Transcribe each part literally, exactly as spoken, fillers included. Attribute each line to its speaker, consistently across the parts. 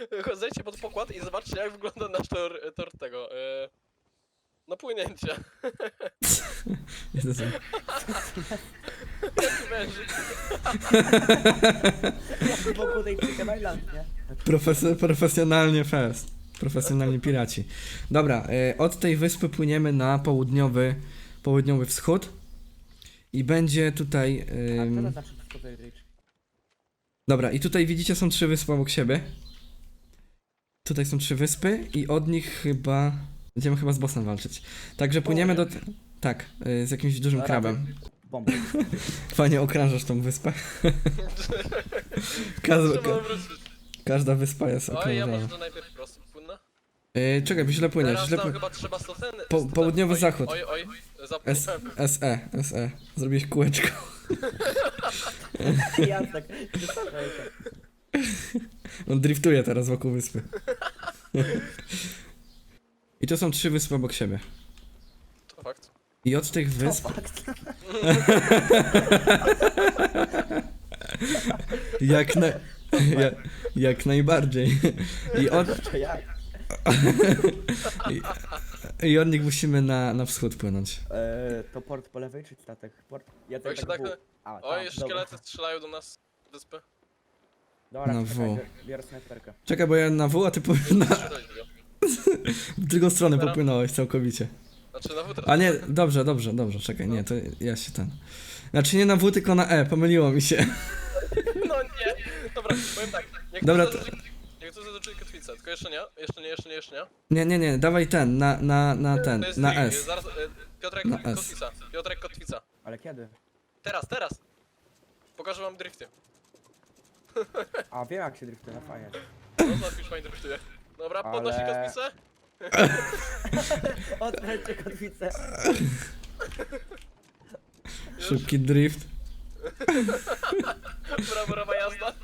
Speaker 1: Zejdźcie pod pokład i zobaczcie, jak wygląda nasz tor, tor tego. Yy, no płynięcia.
Speaker 2: Jezu.
Speaker 1: Jaki wężyk.
Speaker 3: Jak wokół tej Chicken Island, nie?
Speaker 2: Profes profesjonalnie fest. Profesjonalni piraci. Dobra, y, od tej wyspy płyniemy na południowy, południowy wschód. I będzie tutaj...
Speaker 3: A co
Speaker 2: ym,
Speaker 3: to znaczy Discovery Ridge?
Speaker 2: Dobra, i tutaj widzicie, są trzy wyspy obok siebie. Tutaj są trzy wyspy i od nich chyba... Będziemy chyba z bossem walczyć. Także płyniemy do... Tak, y, z jakimś dużym
Speaker 3: Dobra,
Speaker 2: krabem.
Speaker 3: Bomba.
Speaker 2: Fajnie okrążasz tą wyspę. Każda,
Speaker 1: Trzeba
Speaker 2: ka
Speaker 1: wrócić.
Speaker 2: każda wyspa jest
Speaker 1: Oj, ja może
Speaker 2: okrążona.
Speaker 1: to najpierw prosto płynę.
Speaker 2: Yy, czekaj, bo źle płyniesz.
Speaker 1: Teraz
Speaker 2: Źle
Speaker 1: tam
Speaker 2: pły...
Speaker 1: chyba trzeba stoteny.
Speaker 2: Po- południowy
Speaker 1: oj,
Speaker 2: zachód.
Speaker 1: Oj, oj,
Speaker 2: S
Speaker 1: zapomniałem.
Speaker 2: SE, SE. Zrobiłeś kółeczko.
Speaker 3: Jasne. Wystarczająco.
Speaker 2: On driftuje teraz wokół wyspy. I to są trzy wyspy obok siebie.
Speaker 1: To fakt.
Speaker 2: I od tych
Speaker 3: To
Speaker 2: wysp,
Speaker 3: fakt.
Speaker 2: jak, na... jak, jak najbardziej. I od,
Speaker 3: To jak?
Speaker 2: i, I od nich musimy na, na wschód płynąć.
Speaker 3: Eee, to port po lewej czy statek? Port? Ja
Speaker 1: Oj, się
Speaker 3: tak
Speaker 1: tak-
Speaker 3: w. A,
Speaker 1: Oj,
Speaker 3: tam,
Speaker 1: szkielety strzelają do nas z wyspy.
Speaker 3: Dobra,
Speaker 2: Na
Speaker 3: dobra
Speaker 2: W.
Speaker 3: czekaj, bier- biorę snajperkę.
Speaker 2: Czekaj, bo ja na W, a ty po, na,
Speaker 1: Strzelać go.
Speaker 2: w drugą stronę
Speaker 1: Dobra.
Speaker 2: popłynąłeś całkowicie.
Speaker 1: Znaczy na wód.
Speaker 2: A nie, dobrze, dobrze, dobrze, czekaj, nie, to ja się ten... Znaczy nie na W, tylko na E, pomyliło mi się.
Speaker 1: No nie. Dobra, powiem tak. Jak
Speaker 2: Dobra,
Speaker 1: tu
Speaker 2: to-
Speaker 1: zaznaczyli- Jak tu zaznaczyli kotwicę, tylko jeszcze nie, jeszcze nie, jeszcze nie, jeszcze nie.
Speaker 2: Nie, nie, nie, dawaj ten, na, na, na ten,
Speaker 1: To jest
Speaker 2: na
Speaker 1: trik,
Speaker 2: S.
Speaker 1: Zaraz, e, Piotrek,
Speaker 2: Na S.
Speaker 1: kotwica. Piotrek, kotwica.
Speaker 3: Ale kiedy?
Speaker 1: Teraz, teraz. Pokażę wam drifty.
Speaker 3: A wiem jak się driftuje, no fajnie.
Speaker 1: No zobacz, już fajnie driftuje. Dobra,
Speaker 3: Ale-
Speaker 1: podnosi kotwicę.
Speaker 3: Odkręćcie kotwicę.
Speaker 2: Szybki drift.
Speaker 1: Braworowa jazda.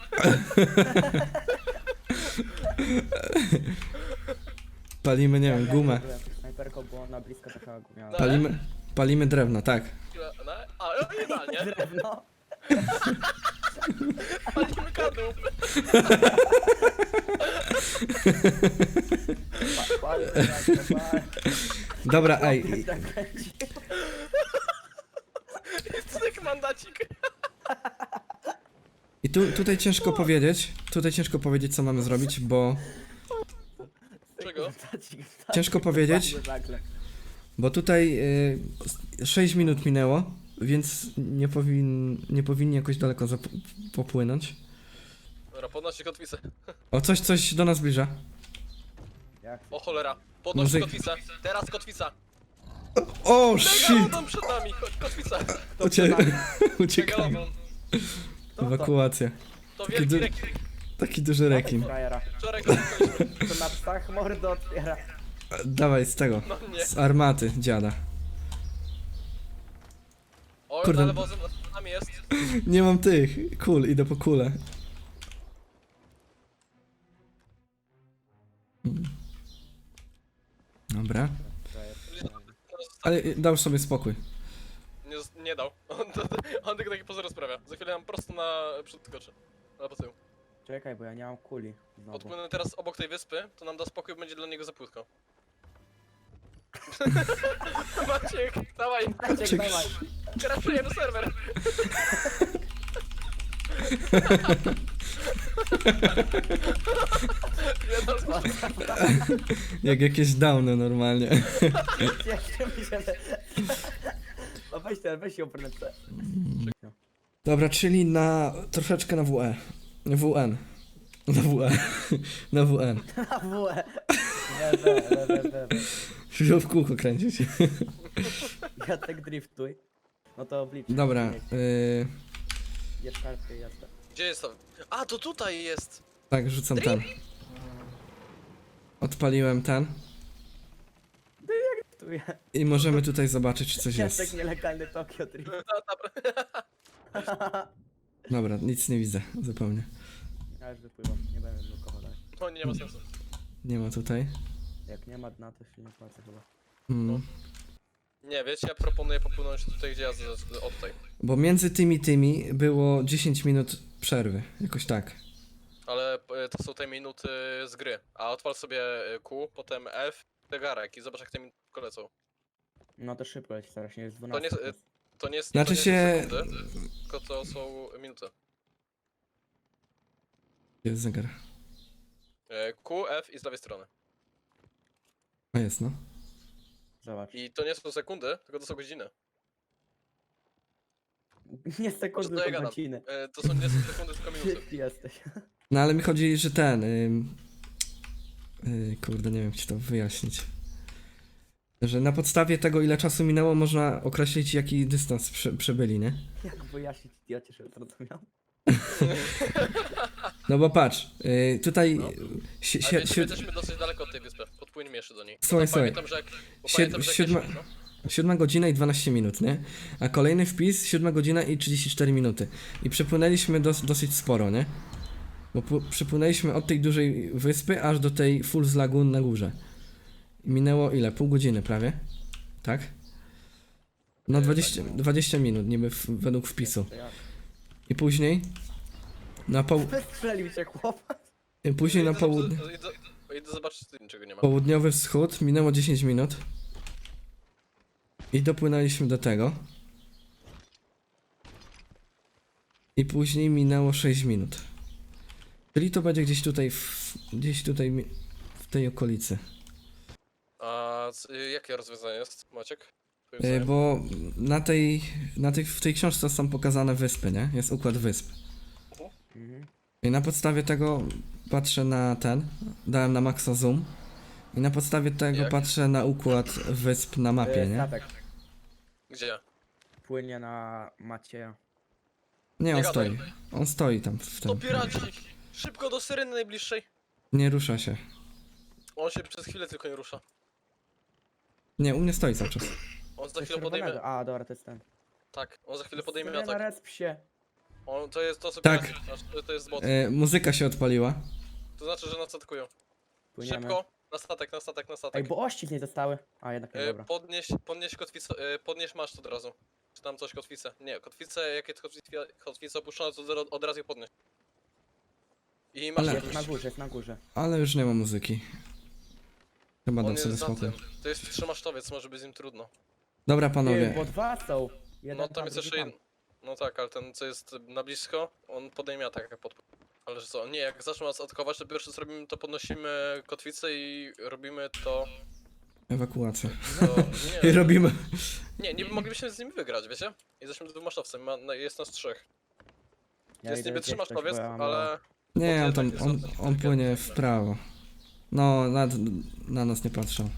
Speaker 2: Palimy, nie wiem, gumę.
Speaker 3: Ja jakąś snajperką, bo ona blisko taka gumiała.
Speaker 1: No.
Speaker 2: Palimy, palimy drewno, tak.
Speaker 1: Chwila, no, a, no idealnie.
Speaker 3: Drewno.
Speaker 1: Palimy kadłub.
Speaker 3: Pa- pal, pal, pal.
Speaker 2: Dobra, ej,
Speaker 3: Tak kręci.
Speaker 1: Cyk, mandacik.
Speaker 2: i tu, tutaj ciężko powiedzieć, tutaj ciężko powiedzieć, co mamy zrobić, bo...
Speaker 1: Czego?
Speaker 2: Ciężko powiedzieć. Bo tutaj y, sześć minut minęło, więc nie, powin, nie powinni jakoś daleko zap- popłynąć.
Speaker 1: Dobra, podnosi kotwicę.
Speaker 2: O, coś, coś do nas zbliża.
Speaker 3: Jak?
Speaker 1: O cholera. Podnosi
Speaker 2: Muzyk.
Speaker 1: kotwicę. Teraz kotwica.
Speaker 2: O, shit!
Speaker 1: Megalodon przed nami. Chodź, kotwica.
Speaker 2: Ucie uciekamy.
Speaker 1: Megalodon.
Speaker 2: Ewakuacja.
Speaker 1: To
Speaker 2: Taki,
Speaker 1: wielki
Speaker 2: du
Speaker 1: rekin.
Speaker 2: taki duży rekin.
Speaker 3: Frajera.
Speaker 1: Wczoraj go spotkaliśmy.
Speaker 3: To na psach mordę otwiera.
Speaker 2: Dawaj z tego,
Speaker 1: No nie.
Speaker 2: z armaty dziada.
Speaker 1: O,
Speaker 2: Kurde.
Speaker 1: na lewo za nami jest.
Speaker 2: Nie mam tych kul, idę po kulę. Mm. Dobra, ale y, dał sobie spokój.
Speaker 1: Nie, nie dał. On, to, on tylko taki pozór sprawia. Za chwilę nam prosto na przód skoczy. Na tył.
Speaker 3: Czekaj, bo ja nie mam kuli. Znowu.
Speaker 1: Odpłynę teraz obok tej wyspy, to nam da spokój, będzie dla niego za płytko. Maciek, dawaj,
Speaker 3: Maciek, dawaj.
Speaker 1: kraszujemy serwer. Jedna z
Speaker 2: Jak jakieś downy normalnie.
Speaker 3: Jeszcze mi się... No weź ten, weź ją prędce.
Speaker 2: Dobra, czyli na troszeczkę na W E. W N. Na W E. Na W N.
Speaker 3: Na W E. We, we, we, we, we, we.
Speaker 2: Wziął w kółko kręcić.
Speaker 3: Ja tak driftuj. No to oblicz.
Speaker 2: Dobra, yy,
Speaker 3: Jest karty, jazda.
Speaker 1: Gdzie jest to? A, to tutaj jest!
Speaker 2: tak, rzucam ten. Odpaliłem ten.
Speaker 3: Driftuję.
Speaker 2: I możemy tutaj zobaczyć, czy coś
Speaker 3: Ja tak
Speaker 2: jest.
Speaker 3: nielegalny Tokio drift.
Speaker 2: Dobra, nic nie widzę zupełnie.
Speaker 3: Ja już wypływam, nie będę blokował dalej.
Speaker 1: O nie, nie ma sensu.
Speaker 2: Nie ma tutaj.
Speaker 3: Jak nie ma dna, to się nie płacę chyba.
Speaker 2: Mm.
Speaker 1: Nie, wiecie, ja proponuję popłynąć tutaj, gdzie ja z, z, o tutaj.
Speaker 2: Bo między tymi tymi było dziesięć minut przerwy. Jakoś tak.
Speaker 1: Ale e, to są te minuty z gry. A odpal sobie e, Q, potem F, zegarek i zobacz jak te minuty lecą.
Speaker 3: No to szybko leci, teraz nie jest
Speaker 1: To nie,
Speaker 3: dwanaście.
Speaker 1: jest- to nie jest,
Speaker 2: Znaczy
Speaker 1: to nie
Speaker 2: się-
Speaker 1: są sekundy, tylko to są minuty.
Speaker 2: Jest zegar.
Speaker 1: E, Q, F i z lewej strony.
Speaker 2: A jest, no.
Speaker 3: Zobacz.
Speaker 1: I to nie są sekundy, tylko to są godziny.
Speaker 3: Nie
Speaker 1: Co
Speaker 3: sekundy,
Speaker 1: to ja
Speaker 3: tylko
Speaker 1: gadam?
Speaker 3: godziny.
Speaker 1: E, to są nie są sekundy, tylko minuty.
Speaker 3: Ty jesteś.
Speaker 2: No ale mi chodzi, że ten... Ym... Yy, kurde, nie wiem, jak ci to wyjaśnić. Że na podstawie tego, ile czasu minęło, można określić, jaki dystans prze, przebyli, nie?
Speaker 3: Jak wyjaśnić idiocie, że zrozumiał?
Speaker 2: No bo patrz, yy, tutaj...
Speaker 1: No.
Speaker 2: Si,
Speaker 1: A
Speaker 2: si,
Speaker 1: wiecie,
Speaker 2: si,
Speaker 1: my jesteśmy dosyć daleko od tej wyspy. Podpłyniemy jeszcze do niej. Bo
Speaker 2: Słuchaj,
Speaker 1: tam
Speaker 2: słuchaj.
Speaker 1: Pamiętam, że jak... Bo
Speaker 2: Sied-
Speaker 1: pamiętam, że jak
Speaker 2: siódma-
Speaker 1: jesteśmy, no.
Speaker 2: siódma godzina i dwanaście minut, nie? A kolejny wpis, siódma godzina i trzydzieści cztery minuty. I przepłynęliśmy dos, dosyć sporo, nie? Bo pu- przepłynęliśmy od tej dużej wyspy aż do tej Fool's Lagoon na górze. I minęło ile? Pół godziny prawie? Tak? No
Speaker 1: Nie,
Speaker 2: dwadzieścia,
Speaker 1: tak.
Speaker 2: dwadzieścia minut, niby w, według wpisu.
Speaker 3: To jak?
Speaker 2: I później na poł...
Speaker 3: Strzelił cię chłopak.
Speaker 2: i później na
Speaker 1: Idę-
Speaker 2: południe...
Speaker 1: Idę, idę zobaczyć, czy tu niczego nie ma.
Speaker 2: Południowy wschód, minęło dziesięć minut. I dopłynęliśmy do tego. I później minęło sześć minut. Czyli to będzie gdzieś tutaj, w, gdzieś tutaj mi- w tej okolicy.
Speaker 1: A c- jakie rozwiązanie jest, Maciek? Twoim
Speaker 2: E,
Speaker 1: zdaniem?
Speaker 2: bo na tej, na tej, w tej książce są pokazane wyspy, nie? Jest układ wysp.
Speaker 3: Mhm.
Speaker 2: I na podstawie tego patrzę na ten, dałem na maxa zoom. I na podstawie tego
Speaker 1: Jak?
Speaker 2: patrzę na układ wysp na mapie,
Speaker 3: E,
Speaker 2: nie?
Speaker 3: Statek
Speaker 1: Gdzie?
Speaker 3: płynie na Macieja.
Speaker 2: Nie, on
Speaker 1: Nie gadaj.
Speaker 2: stoi. On stoi tam w
Speaker 1: To
Speaker 2: tym.
Speaker 1: piraci! Szybko do syreny najbliższej!
Speaker 2: Nie rusza się.
Speaker 1: On się przez chwilę tylko nie rusza.
Speaker 2: Nie, u mnie stoi cały czas.
Speaker 1: On za
Speaker 3: Coś
Speaker 1: chwilę podejmie...
Speaker 3: czerwonego. A, dobra, to jest ten.
Speaker 1: Tak, on za chwilę podejmie
Speaker 3: Syrena,
Speaker 1: atak.
Speaker 3: resp się.
Speaker 1: On, to jest to, co
Speaker 2: Tak.
Speaker 1: piraci, aż to, to jest bot.
Speaker 2: E, muzyka się odpaliła.
Speaker 1: To znaczy, że nas atakują.
Speaker 3: Płyniemy.
Speaker 1: Szybko! Na statek, na statek, na
Speaker 3: Ej,
Speaker 1: statek.
Speaker 3: bo ościg nie zostały. A, jednak nie,
Speaker 1: E,
Speaker 3: dobra.
Speaker 1: podnieś, podnieś kotwicę, e, podnieś masz od razu. Czy tam coś kotwicę? Nie, kotwicę, jakie kotwice, kotwice opuszczone, to od- od razu je podnieś. I masz
Speaker 2: Ale-
Speaker 3: Jest na górze, jest na górze.
Speaker 2: Ale już nie ma muzyki. Chyba
Speaker 1: On
Speaker 2: dam
Speaker 1: jest
Speaker 2: sobie
Speaker 1: za
Speaker 2: spokój.
Speaker 1: tym. To jest trzymasztowiec, może być z nim trudno.
Speaker 2: Dobra
Speaker 3: Ty,
Speaker 2: panowie,
Speaker 3: bo dwa są. Jeden
Speaker 1: No tam
Speaker 3: tam,
Speaker 1: jest
Speaker 3: drugi
Speaker 1: jeszcze
Speaker 3: tam.
Speaker 1: jeden. No tak, ale ten co jest na blisko, on podejmie atak jak podpływ. Ale że co, nie, jak zaczną nas atakować, to pierwsze co robimy, to podnosimy kotwicę i robimy to...
Speaker 2: ewakuacja.
Speaker 1: to
Speaker 2: I
Speaker 1: nie,
Speaker 2: robimy.
Speaker 1: nie, nie moglibyśmy z nimi wygrać, wiecie? Jesteśmy dwumasztowcem, ma, no, jest nas trzech.
Speaker 3: Ja
Speaker 1: jest
Speaker 3: idę
Speaker 1: niby
Speaker 3: gdzieś coś,
Speaker 1: trzymaszowiec,
Speaker 3: bo ja mam
Speaker 1: ale...
Speaker 2: Nie, on tam,
Speaker 1: Bo to
Speaker 2: on,
Speaker 1: jednak jest
Speaker 2: on płynie w
Speaker 1: inteligentny.
Speaker 2: prawo. No, na, na nas nie patrzą.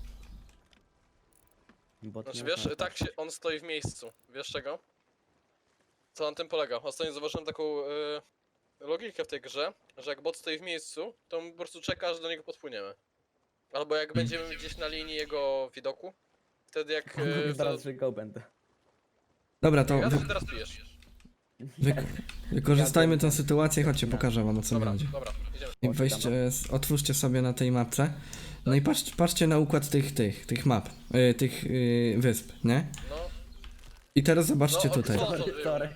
Speaker 3: Bo
Speaker 1: Znaczy
Speaker 3: nie
Speaker 1: wiesz,
Speaker 3: można
Speaker 1: tak się, on stoi w miejscu. Wiesz czego? Co na tym polega? Ostatnio zauważyłem taką y, logikę w tej grze, że jak bot stoi w miejscu, to my po prostu czeka, aż do niego podpłyniemy. Albo jak będziemy gdzieś na linii jego widoku, wtedy jak...
Speaker 3: On
Speaker 1: Y,
Speaker 3: mówi
Speaker 1: wtedy...
Speaker 3: zaraz, że go będę.
Speaker 2: Dobra, to
Speaker 1: Ja
Speaker 2: wy,
Speaker 1: teraz pijesz.
Speaker 2: wy, wykorzystajmy tę sytuację, chodźcie, pokażę wam o co mi
Speaker 1: Dobra,
Speaker 2: chodzi.
Speaker 1: dobra, idziemy.
Speaker 2: I weźcie, s- otwórzcie sobie na tej mapce. No i patrz, patrzcie na układ tych, tych, tych map, y, tych y, wysp, nie?
Speaker 1: No,
Speaker 2: I teraz zobaczcie
Speaker 1: No,
Speaker 2: tutaj.
Speaker 1: co?
Speaker 3: Sorry, sorry.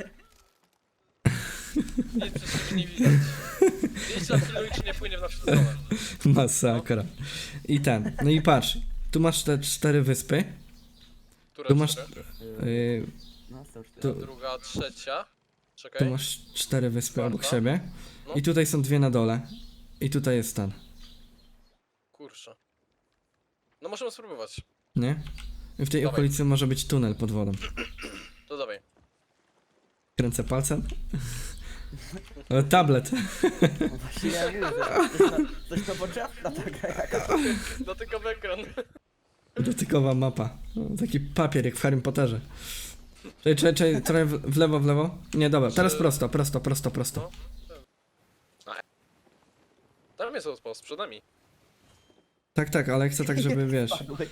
Speaker 1: nic przez siebie nie widać. Widzicie na chwilę, czy nie płynie w naszą stronę.
Speaker 2: Masakra. I ten, no i patrz, tu masz te cztery wyspy,
Speaker 1: Która
Speaker 2: tu masz,
Speaker 1: cztery?
Speaker 2: y,
Speaker 3: No, są cztery.
Speaker 2: tu,
Speaker 1: Druga, trzecia.
Speaker 2: tu
Speaker 1: Czekaj.
Speaker 2: masz cztery wyspy obok
Speaker 1: Czwarta.
Speaker 2: siebie.
Speaker 1: No.
Speaker 2: I tutaj są dwie na dole. I tutaj jest ten,
Speaker 1: Kurczę. No możemy spróbować.
Speaker 2: nie? I w tej
Speaker 1: Dawaj.
Speaker 2: okolicy może być tunel pod wodą.
Speaker 1: To dawaj.
Speaker 2: Kręcę palcem. O, tablet.
Speaker 3: No właśnie ja mówię, że coś na- coś nowoczesna ta gra jakaś.
Speaker 1: Dotykowy ekran.
Speaker 2: Dotykowa mapa. O, taki papier jak w Harrym Potterze. Czekaj, czekaj, czekaj, trochę w w lewo, w lewo. Nie, dobra, teraz
Speaker 1: Czy-
Speaker 2: prosto, prosto, prosto, prosto.
Speaker 1: No. Tam jest outpost, przed nami.
Speaker 2: Tak, tak, ale chcę tak, żeby wiesz.
Speaker 3: Spadły.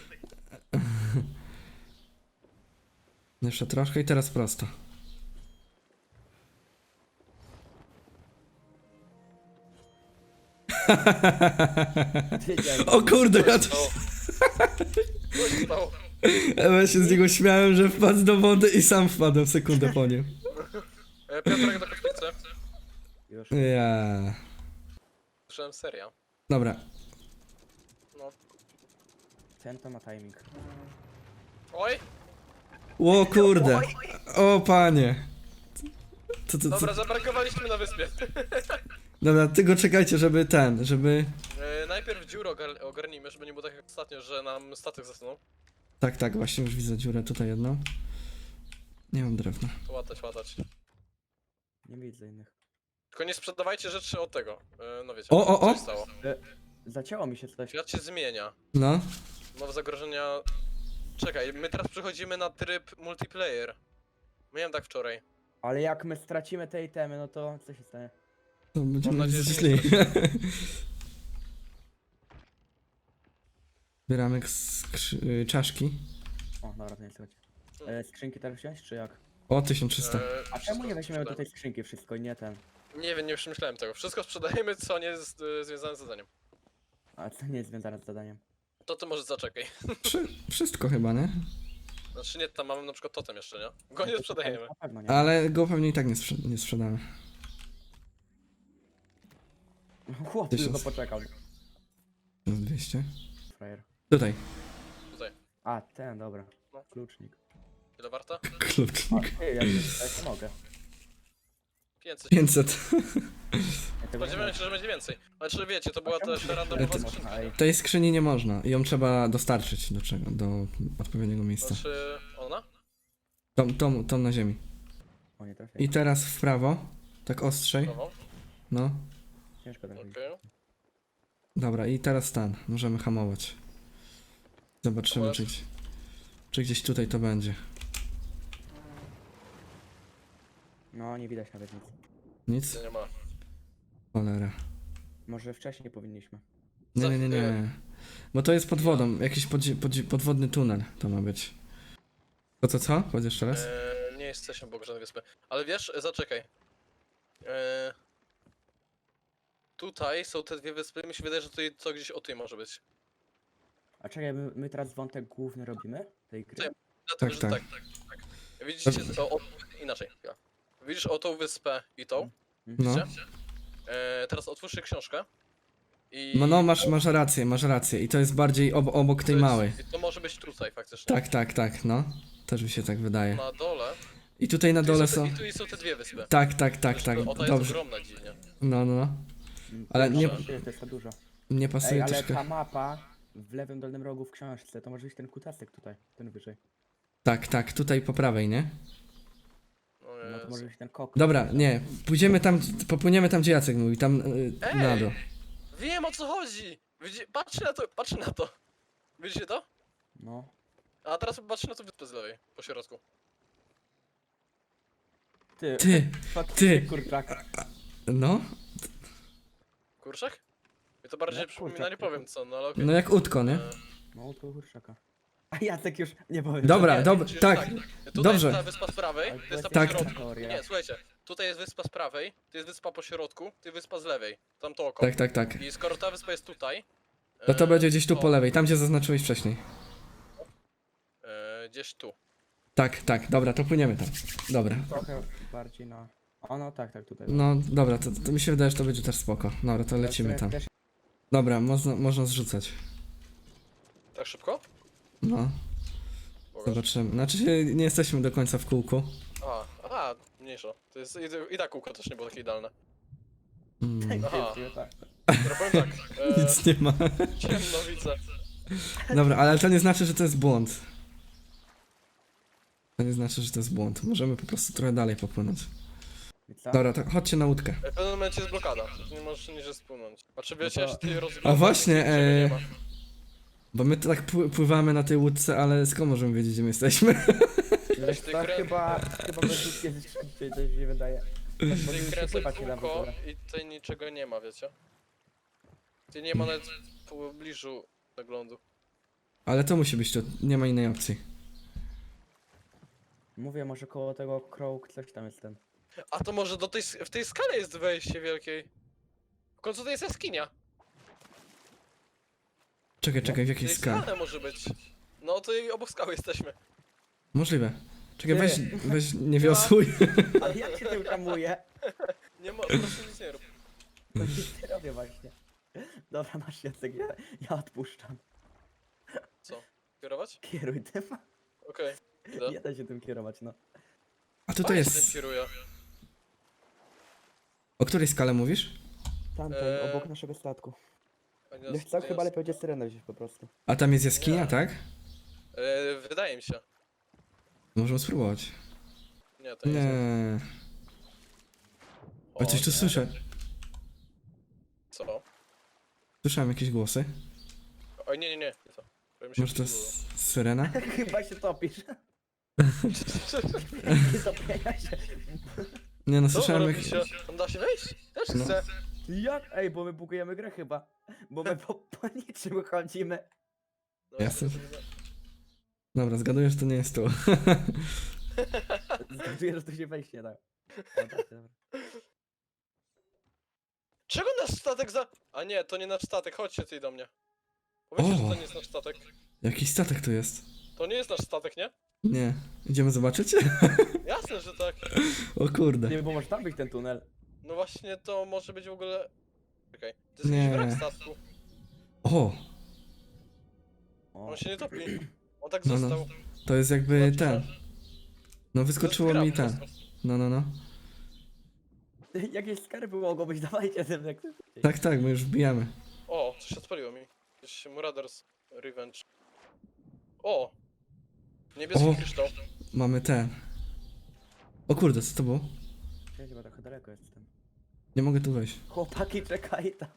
Speaker 2: Jeszcze troszkę i teraz prosto.
Speaker 3: Wiedziałem.
Speaker 2: O kurde, ja to...
Speaker 1: O. Co się stało?
Speaker 2: Ja się z niego śmiałem, że wpadł do wody i sam wpadłem sekundę po nim.
Speaker 1: E, Piotrek do kotwicy.
Speaker 3: Już.
Speaker 2: Ja.
Speaker 1: myślałem seria.
Speaker 2: Dobra.
Speaker 1: No.
Speaker 3: Ten to ma timing.
Speaker 1: Oj!
Speaker 2: O kurde. O panie. To, to, to.
Speaker 1: Dobra, zaparkowaliśmy na wyspie.
Speaker 2: Dobra, tylko czekajcie, żeby ten, żeby...
Speaker 1: E, najpierw dziurę ogar ogarnijmy, żeby nie było tak jak ostatnio, że nam statek zasunął.
Speaker 2: Tak, tak, właśnie już widzę dziurę tutaj jedną. Nie mam drewna.
Speaker 1: To łatać, łatać.
Speaker 3: Nie widzę innych.
Speaker 1: Tylko nie sprzedawajcie rzeczy od tego. E, no wiecie,
Speaker 2: O, o, o!
Speaker 1: co się stało.
Speaker 3: Zacięło mi się coś.
Speaker 1: Świat się zmienia.
Speaker 2: No.
Speaker 1: Nowe zagrożenia... Czekaj, my teraz przechodzimy na tryb multiplayer. Miałem tak wczoraj.
Speaker 3: Ale jak my stracimy te itemy, no to co się stanie?
Speaker 2: To będziemy
Speaker 1: nadzieję, że
Speaker 2: źli.
Speaker 1: nie
Speaker 2: Zbieramy skrzy- y, czaszki.
Speaker 3: O, dobra, to nie słychać. E, skrzynki teraz wziąć, czy jak?
Speaker 2: O, tysiąc trzysta.
Speaker 1: E,
Speaker 3: A
Speaker 1: wszystko
Speaker 3: czemu nie weźmiemy do
Speaker 1: sprzedajemy.
Speaker 3: tej skrzynki wszystko i nie ten?
Speaker 1: Nie wiem, nie przemyślałem tego. Wszystko sprzedajemy, co nie jest e, związane z zadaniem.
Speaker 3: A co nie jest związane z zadaniem?
Speaker 1: To ty może zaczekaj.
Speaker 2: Wszy- wszystko chyba, nie?
Speaker 1: Znaczy nie, tam mamy na przykład totem jeszcze, nie? Go nie sprzedajemy.
Speaker 3: Na pewno nie.
Speaker 2: Ale go pewnie i tak nie, sprze- nie sprzedamy.
Speaker 3: Chłop tylko
Speaker 2: Tysiąc.
Speaker 3: poczekał.
Speaker 2: dwieście.
Speaker 3: Frajer.
Speaker 2: Tutaj.
Speaker 1: Tutaj.
Speaker 3: A, ten, dobra.
Speaker 1: No.
Speaker 3: Klucznik.
Speaker 1: Ile warta?
Speaker 2: Klucznik.
Speaker 3: A, ty, ja już mogę.
Speaker 1: pięćset.
Speaker 2: pięćset.
Speaker 3: Ja tego nie
Speaker 1: Spodziewałem się, że będzie więcej. Znaczy wiecie, to była
Speaker 3: A czemu
Speaker 1: też
Speaker 3: to
Speaker 1: randomowa
Speaker 3: nie
Speaker 1: skrzynka.
Speaker 3: można, ej?
Speaker 2: Tej skrzyni nie można. Ją trzeba dostarczyć do czego? Do odpowiedniego miejsca.
Speaker 1: Znaczy ona?
Speaker 2: Tą, tą, tą na ziemi.
Speaker 3: O, nie trafię.
Speaker 2: I teraz w prawo. Tak ostrzej.
Speaker 1: Nową?
Speaker 2: No.
Speaker 3: Ciężko trafić.
Speaker 1: Okej.
Speaker 2: Dobra, i teraz stan. Możemy hamować. Zobaczymy,
Speaker 1: Hamować.
Speaker 2: czy, gdzieś- czy gdzieś tutaj to będzie.
Speaker 3: No, nie widać nawet nic.
Speaker 2: Nic?
Speaker 1: Nie, nie ma.
Speaker 2: Cholera.
Speaker 3: Może wcześniej powinniśmy.
Speaker 2: Nie, nie, nie,
Speaker 1: Za chwilę.
Speaker 2: nie. Bo to jest pod wodą. Jakiś podzi- podzi- podwodny tunel to ma być. To co, co? Chodź jeszcze raz.
Speaker 1: Eee, nie jesteśmy obok żadnej wyspy. Ale wiesz, zaczekaj. Eee, tutaj są te dwie wyspy. Mi się wydaje, że tutaj co gdzieś o tej może być.
Speaker 3: A czekaj, my, my teraz wątek główny robimy tej gry?
Speaker 1: Tak. Dlatego,
Speaker 2: Tak,
Speaker 1: że
Speaker 2: tak.
Speaker 1: tak, tak, tak. Widzicie, to o, inaczej. Ja. Widzisz o tą wyspę i tą?
Speaker 2: No.
Speaker 1: Widzicie? Eee, teraz otwórzcie książkę. I
Speaker 2: No, no, masz, masz rację, masz rację. I to jest bardziej ob- obok tej
Speaker 1: to jest-
Speaker 2: małej.
Speaker 1: I to może być tutaj faktycznie.
Speaker 2: Tak, tak, tak, no. Też mi się tak wydaje.
Speaker 1: Na dole.
Speaker 2: I tutaj na
Speaker 1: Tu
Speaker 2: dole
Speaker 1: są,
Speaker 2: są...
Speaker 1: te, I tu są te dwie wyspy.
Speaker 2: Tak, tak, tak, tak.
Speaker 1: O, ta jest
Speaker 2: Dobrze.
Speaker 1: ogromna dziwnie.
Speaker 2: No, no, no.
Speaker 3: Mm,
Speaker 2: Ale
Speaker 3: to
Speaker 2: nie-
Speaker 3: jest- To jest za dużo.
Speaker 2: Nie
Speaker 3: Ej,
Speaker 2: pasuje
Speaker 3: ale
Speaker 2: troszkę.
Speaker 3: ta mapa w lewym dolnym rogu w książce, to może być ten kutasek tutaj, ten wyżej.
Speaker 2: Tak, tak, tutaj po prawej, nie?
Speaker 1: No,
Speaker 3: No to
Speaker 1: Jezu.
Speaker 3: może być ten kok.
Speaker 2: Dobra, nie. Pójdziemy tam, popłyniemy tam, gdzie Jacek mówi, tam yy,
Speaker 1: Ej!
Speaker 2: na dół.
Speaker 1: Wiem o co chodzi! Widzi... Patrzcie na to, patrzcie na to! Widzicie to?
Speaker 3: No.
Speaker 1: A teraz patrzcie na to wyspę z lewej, po środku.
Speaker 3: Ty,
Speaker 2: Ty,
Speaker 3: faktycznie,
Speaker 2: ty.
Speaker 3: kurczaka.
Speaker 2: no,
Speaker 1: Kurczak? I to bardziej
Speaker 3: No,
Speaker 1: przypomina,
Speaker 3: kurczak,
Speaker 1: nie powiem co, no ale okej.
Speaker 2: no jak utko, nie?
Speaker 1: E,
Speaker 3: No to kurczaka. A Jacek już nie powiem.
Speaker 2: Dobra,
Speaker 1: nie,
Speaker 2: dobra,
Speaker 1: widzisz,
Speaker 2: tak.
Speaker 1: Tutaj
Speaker 2: Dobrze.
Speaker 1: jest ta wyspa z prawej,
Speaker 3: Ale
Speaker 1: to jest ta
Speaker 3: to
Speaker 1: po
Speaker 2: jest
Speaker 1: środku.
Speaker 3: teoria.
Speaker 1: Nie, słuchajcie, tutaj jest wyspa z prawej, tu jest wyspa po środku, tu jest wyspa z lewej. Tam to oko.
Speaker 2: Tak, tak, tak.
Speaker 1: I skoro ta wyspa jest tutaj...
Speaker 2: No to
Speaker 1: e,
Speaker 2: będzie gdzieś tu
Speaker 1: to,
Speaker 2: po lewej, tam gdzie zaznaczyłeś wcześniej.
Speaker 1: E, gdzieś tu.
Speaker 2: Tak, tak, dobra, to płyniemy tam. Dobra.
Speaker 3: Trochę bardziej na... O no tak, tak tutaj.
Speaker 2: No, dobra, to, to mi się wydaje, że to będzie też spoko. Dobra, to lecimy tam. Dobra, można, można zrzucać.
Speaker 1: Tak szybko?
Speaker 2: No,
Speaker 1: Bogaż.
Speaker 2: zobaczymy. Znaczy się, nie jesteśmy do końca w kółku.
Speaker 1: A, a, mniejsza. To jest i, i tak kółko też nie było takie idealne.
Speaker 2: Mm,
Speaker 1: Aha.
Speaker 3: tak.
Speaker 1: Dobra, powiem tak. E,
Speaker 2: nic nie ma.
Speaker 1: ciemno widzę.
Speaker 2: Dobra, ale to nie znaczy, że to jest błąd. To nie znaczy, że to jest błąd. Możemy po prostu trochę dalej popłynąć.
Speaker 3: I co?
Speaker 2: Dobra, to chodźcie na łódkę.
Speaker 1: W pewnym momencie jest blokada. Nie możesz niżej spłynąć. A czy wiecie,
Speaker 3: No to-
Speaker 1: że ty roz...
Speaker 2: A właśnie,
Speaker 1: niczego nie
Speaker 2: e,
Speaker 1: ma.
Speaker 2: Bo my tak pły- pływamy na tej łódce, ale skąd możemy wiedzieć, gdzie my jesteśmy?
Speaker 3: Wiesz
Speaker 1: Ty
Speaker 3: co,
Speaker 1: krę-
Speaker 3: chyba, chyba bez łódki jest szybciej, to mi się wydaje.
Speaker 1: Ty
Speaker 3: Możemy się
Speaker 1: kręcę
Speaker 3: pływać nie da w
Speaker 1: kółko
Speaker 3: ogóle.
Speaker 1: i tutaj niczego nie ma, wiecie? Ty nie ma nawet w pobliżu zaglądu.
Speaker 2: Ale to musi być to, nie ma innej opcji.
Speaker 3: Mówię, może koło tego krok coś tam jest ten.
Speaker 1: A to może do tej, s- w tej skale jest wejście wielkiej. W końcu to jest jaskinia.
Speaker 2: Czekaj, czekaj, w
Speaker 1: W
Speaker 2: jakiej
Speaker 1: tej
Speaker 2: skale?
Speaker 1: skale może być. No to i obok skały jesteśmy.
Speaker 2: Możliwe. Czekaj,
Speaker 3: Ty.
Speaker 2: weź, weź nie wiosłuj.
Speaker 3: Ale jak się tym hamuje?
Speaker 1: Nie ma, po prostu nic nie rób.
Speaker 3: To nic nie robię właśnie. Dobra, masz Jacek, ja, ja odpuszczam.
Speaker 1: Co? Kierować?
Speaker 3: Kieruj tym.
Speaker 1: Okej. Idę.
Speaker 3: Nie da się tym kierować, no.
Speaker 2: A tutaj
Speaker 1: Fajnie się tym
Speaker 2: jest...
Speaker 1: kieruje.
Speaker 2: O której skale mówisz?
Speaker 3: Tamten,
Speaker 1: Eee,
Speaker 3: obok naszego statku.
Speaker 1: A nie
Speaker 3: Wiesz
Speaker 1: jest-
Speaker 3: co,
Speaker 1: nie
Speaker 3: chyba
Speaker 1: jest-
Speaker 3: lepiej będzie syrenę wziąć po prostu.
Speaker 2: A tam jest jaskinia,
Speaker 1: Nie.
Speaker 2: tak?
Speaker 1: E, wydaje mi się.
Speaker 2: Możemy spróbować.
Speaker 1: Nie, to nie, jest.
Speaker 2: Nie.
Speaker 1: O,
Speaker 2: O, coś tu
Speaker 1: nie.
Speaker 2: słyszę.
Speaker 1: Co?
Speaker 2: Słyszałem jakieś głosy.
Speaker 1: Oj, nie, nie, nie. nie to. Powiem się
Speaker 2: Może to
Speaker 1: wkurzyło.
Speaker 2: jest syrena?
Speaker 3: Chyba się topisz. Nie topienia się.
Speaker 2: Nie no,
Speaker 1: Co
Speaker 2: słyszałem
Speaker 1: robi
Speaker 2: jak...
Speaker 1: się? Tam da się wejść? Też
Speaker 2: No.
Speaker 1: chcę.
Speaker 3: Jak? Ej, bo my bugujemy grę chyba. Bo my po, po niczym chodzimy.
Speaker 1: No,
Speaker 2: Jasne.
Speaker 1: to nie-
Speaker 2: Dobra, zgaduję, że to nie jest tu.
Speaker 3: Zgaduję, że tu się wejść nie da. Dobra, dobra.
Speaker 1: Czego nasz statek za... A nie, to nie nasz statek, chodźcie ty do mnie. Powiedzcie,
Speaker 2: O!
Speaker 1: że to nie jest nasz statek.
Speaker 2: Jakiś statek tu jest.
Speaker 1: To nie jest nasz statek, nie?
Speaker 2: Nie. Idziemy zobaczyć?
Speaker 1: Jasne, że tak.
Speaker 2: O kurde.
Speaker 3: Nie, bo może tam być ten tunel.
Speaker 1: No właśnie, to może być w ogóle... Czekaj, to jest
Speaker 2: Nie.
Speaker 1: jakiś wrak statku.
Speaker 2: O!
Speaker 3: O.
Speaker 1: On się nie topi. On tak
Speaker 2: No, no.
Speaker 1: został.
Speaker 2: To jest jakby
Speaker 1: Znaczy,
Speaker 2: ten.
Speaker 1: że-
Speaker 2: No
Speaker 1: to
Speaker 2: wyskoczyło
Speaker 1: jest
Speaker 2: mi
Speaker 1: gra po
Speaker 2: ten.
Speaker 1: prostu.
Speaker 2: No, no, no.
Speaker 3: Jakieś skarby mogą być, dawajcie tym jak najszybciej.
Speaker 2: Tak, tak, my już wbijamy.
Speaker 1: O, coś odpaliło mi. Jakiś Marauders Revenge. O! Niebieski
Speaker 2: O.
Speaker 1: kryształ.
Speaker 2: Mamy ten. O kurde, co to było?
Speaker 3: Ja chyba trochę daleko jestem.
Speaker 2: Nie mogę tu wejść.
Speaker 3: Chłopaki, czekaj tam.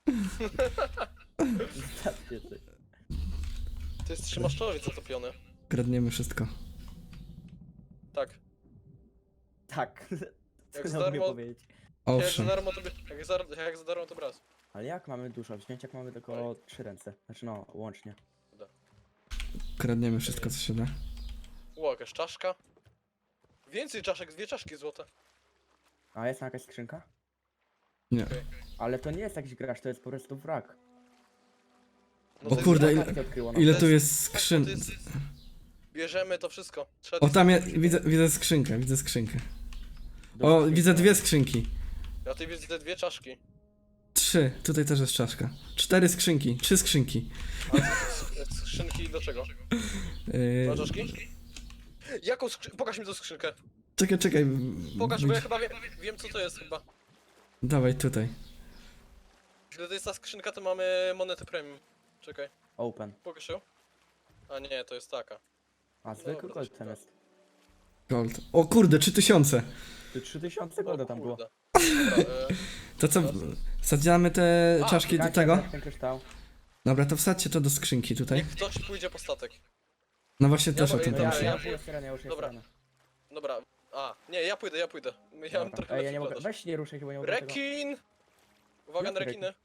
Speaker 3: Zostawcie coś.
Speaker 1: To jest trzymaszczowiec zatopiony.
Speaker 2: Kradniemy wszystko.
Speaker 1: Tak.
Speaker 3: Tak. Co
Speaker 1: Jak
Speaker 3: ja
Speaker 1: za
Speaker 3: mogę
Speaker 1: darmo-
Speaker 3: powiedzieć?
Speaker 1: Jak za
Speaker 2: Owszem.
Speaker 1: darmo to by... Jak za, jak za darmo to braz.
Speaker 3: Ale jak mamy dużo wziąć, jak mamy tylko trzy ręce? Znaczy no, łącznie.
Speaker 2: Kradniemy wszystko, co się da.
Speaker 1: Ło, jakaś czaszka. Więcej czaszek, dwie czaszki złote.
Speaker 3: A jest tam jakaś skrzynka?
Speaker 2: Nie.
Speaker 3: Ale to nie jest jakiś gracz, to jest po prostu wrak.
Speaker 1: No
Speaker 2: O
Speaker 1: to jest
Speaker 2: kurde,
Speaker 1: wrak.
Speaker 2: ile-
Speaker 3: Tak się odkryło, no.
Speaker 2: Ile
Speaker 1: to
Speaker 2: tu
Speaker 1: jest-
Speaker 2: jest
Speaker 1: Tak,
Speaker 2: skrzyn...
Speaker 1: to jest... Bierzemy to wszystko. Trzeba
Speaker 2: O, tam jest... Widzę, widzę skrzynkę, widzę skrzynkę. O,
Speaker 3: Dobrze,
Speaker 2: widzę
Speaker 3: to-
Speaker 2: dwie skrzynki.
Speaker 1: Ja tutaj widzę te dwie czaszki.
Speaker 2: Trzy. Tutaj też jest czaszka. Cztery skrzynki. Trzy skrzynki.
Speaker 1: A z- skrzynki do czego?
Speaker 2: Yy...
Speaker 1: Do czaszki? Jaką skrzynkę? Pokaż mi tą skrzynkę.
Speaker 2: Czekaj, czekaj.
Speaker 1: Pokaż, bo ja chyba wiem, wiem co to jest chyba.
Speaker 2: Dawaj tutaj.
Speaker 1: Jeśli to jest ta skrzynka, to mamy monety premium. Czekaj,
Speaker 3: Open.
Speaker 1: pokaż ją. A nie, to jest taka.
Speaker 3: A zwykły
Speaker 1: Dobra,
Speaker 3: gold
Speaker 1: to
Speaker 3: ten
Speaker 1: się
Speaker 3: jest.
Speaker 2: Gold. O kurde, trzy tysiące.
Speaker 3: Tu trzy tysiące golda tam było.
Speaker 1: Kurde. Dobra, e,
Speaker 2: To co, wsadzamy te
Speaker 1: A,
Speaker 2: czaszki do
Speaker 3: Kasia,
Speaker 2: tego?
Speaker 3: tak, ten kryształ.
Speaker 2: Dobra, to wsadźcie to do skrzynki tutaj.
Speaker 1: niech ktoś pójdzie po statek.
Speaker 2: No właśnie
Speaker 1: Ja
Speaker 2: też o
Speaker 1: bo-
Speaker 2: tym
Speaker 3: No
Speaker 1: ja-
Speaker 3: ja,
Speaker 2: pomyślałem.
Speaker 3: ja już jest syrena, ja już jest
Speaker 1: Dobra.
Speaker 3: syrena.
Speaker 1: Dobra, a, nie, ja pójdę, ja pójdę. Ja mam
Speaker 3: Dobra.
Speaker 1: trochę
Speaker 3: Ej, ja
Speaker 1: lepszy
Speaker 3: nie mogę,
Speaker 1: plantaż.
Speaker 3: weź nie ruszaj chyba nie mogę tego.
Speaker 1: Rekin! Uwaga na
Speaker 3: Jaki
Speaker 1: rekiny.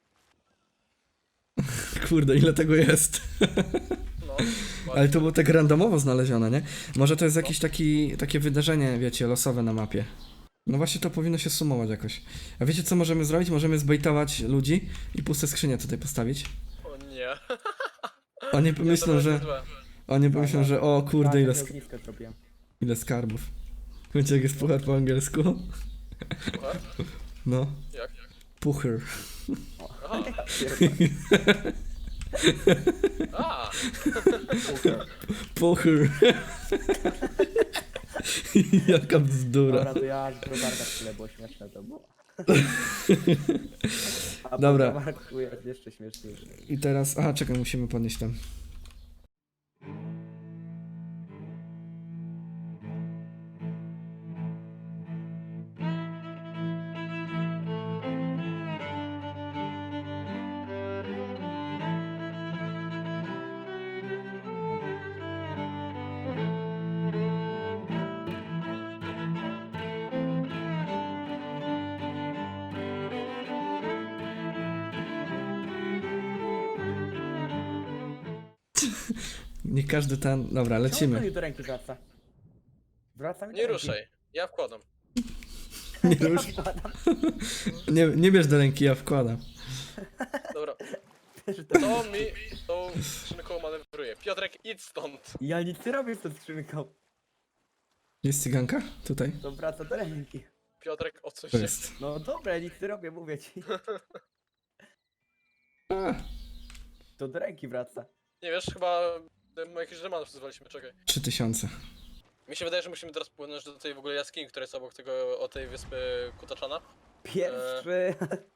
Speaker 2: Kurde, ile tego jest.
Speaker 1: No,
Speaker 2: Ale to było tak randomowo znalezione, nie? Może to jest jakieś taki, takie wydarzenie, wiecie, losowe na mapie. No właśnie to powinno się sumować jakoś. A wiecie co możemy zrobić? Możemy zbejtować ludzi i puste skrzynie tutaj postawić.
Speaker 1: o nie.
Speaker 2: Oni
Speaker 1: Nie, to
Speaker 2: pomyślą,
Speaker 1: będzie
Speaker 2: że...
Speaker 1: złe.
Speaker 2: Oni pomyślą, że o
Speaker 3: Tak,
Speaker 2: kurde, ile,
Speaker 3: ja
Speaker 2: sk
Speaker 3: ognisko zrobiłem.
Speaker 2: ile skarbów. Wiecie jak jest puchar po angielsku?
Speaker 1: Słuchaj,
Speaker 2: No.
Speaker 1: jak?
Speaker 2: Puchar.
Speaker 1: Aha, a,
Speaker 2: Puchar. Jaka bzdura.
Speaker 3: Dobra, to ja z browarka tyle było śmieszne to było. A
Speaker 2: Dobra.
Speaker 3: po browarku jest jeszcze śmieszniejsze.
Speaker 2: I teraz... Aha, czekaj, musimy podnieść ten. Nie każdy ten... Dobra,
Speaker 3: Czemu
Speaker 2: lecimy.
Speaker 3: to do ręki wraca? Wraca mi do
Speaker 1: nie
Speaker 3: ręki.
Speaker 1: ruszaj. Ja wkładam.
Speaker 2: Nie, rusz... nie, nie bierz do ręki, ja wkładam.
Speaker 1: Dobra,
Speaker 3: Wiesz, że to-
Speaker 1: to mi tą skrzynką manewruje. Piotrek, idź stąd.
Speaker 3: Ja nic nie robię z tą skrzynką.
Speaker 2: Jest cyganka? Tutaj?
Speaker 3: To wraca do ręki.
Speaker 1: Piotrek, o co
Speaker 2: To
Speaker 1: się...
Speaker 2: jest.
Speaker 3: No dobra, ja nic nie robię, mówię ci.
Speaker 2: A,
Speaker 3: To do ręki wraca.
Speaker 1: Nie wiesz, chyba e, jakiś remanów wzywaliśmy, czekaj.
Speaker 2: trzy tysiące.
Speaker 1: Mi się wydaje, że musimy teraz płynąć do tej w ogóle jaskini, która jest obok tego, o tej wyspy Kutaczana.
Speaker 3: Pierwszy.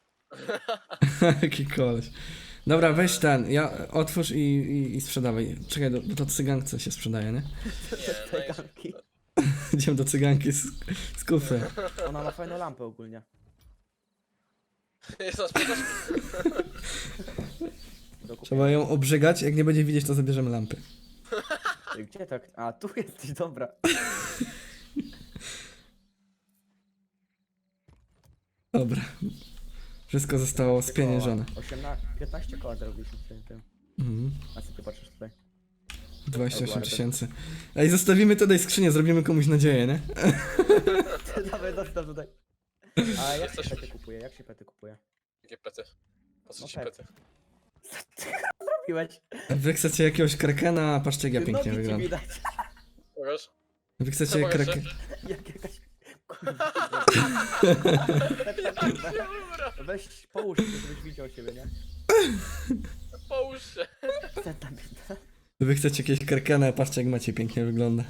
Speaker 2: Jaki koleś. Dobra, weź ten, ja otwórz i, i, i sprzedawaj. Czekaj, do, do to cyganki się sprzedaje, nie?
Speaker 1: Nie,
Speaker 3: Tej
Speaker 1: no i...
Speaker 3: ganki.
Speaker 2: Idziemy do cyganki z, z kufry.
Speaker 3: Ona ma fajną lampę ogólnie.
Speaker 1: Jest na sprzedaż?
Speaker 3: Do kupienia.
Speaker 2: Trzeba ją obrzygać, jak nie będzie widzieć, to zabierzemy lampy.
Speaker 3: Ej, gdzie tak? A, tu jesteś, dobra.
Speaker 2: Dobra. Wszystko zostało spieniężone.
Speaker 3: osiemnaście, piętnaście koła zarobiliśmy w tym, tym.
Speaker 2: Mhm.
Speaker 3: A co ty patrzysz tutaj?
Speaker 2: dwadzieścia osiem tysięcy. Ej, zostawimy tutaj skrzynię, zrobimy komuś nadzieję, nie?
Speaker 3: Dawaj, zostaw tutaj. A jak się
Speaker 1: Jesteśmy-
Speaker 3: pety kupuje? Jak się pety kupuje?
Speaker 1: Jakie pety? Po co
Speaker 3: No
Speaker 1: ci
Speaker 3: tak.
Speaker 1: pety?
Speaker 3: Robiłeś?
Speaker 2: Wy chcecie jakiegoś krakena, a patrzcie jak ja
Speaker 3: Ty
Speaker 2: pięknie
Speaker 3: nogi ci
Speaker 2: wyglądam.
Speaker 3: widać.
Speaker 1: Pokaż?
Speaker 2: Wy chcecie
Speaker 1: Co mogę
Speaker 2: kraken...
Speaker 3: Jak jakaś... Kurwa.
Speaker 1: Dobra,
Speaker 3: Weź, połóż się, żebyś widział siebie, nie?
Speaker 1: połóż się.
Speaker 3: Teta bita.
Speaker 2: Wy chcecie jakieś krakena, a patrzcie jak macie pięknie wygląda.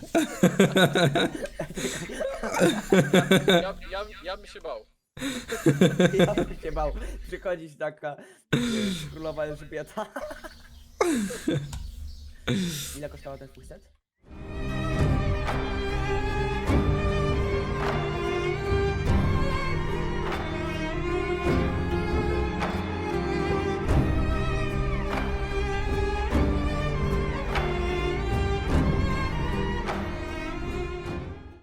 Speaker 1: Ja, ja, ja bym się bał.
Speaker 3: Ja bym się bał przychodzić taka y, królowa Elżbieta. Ile kosztował ten twój set?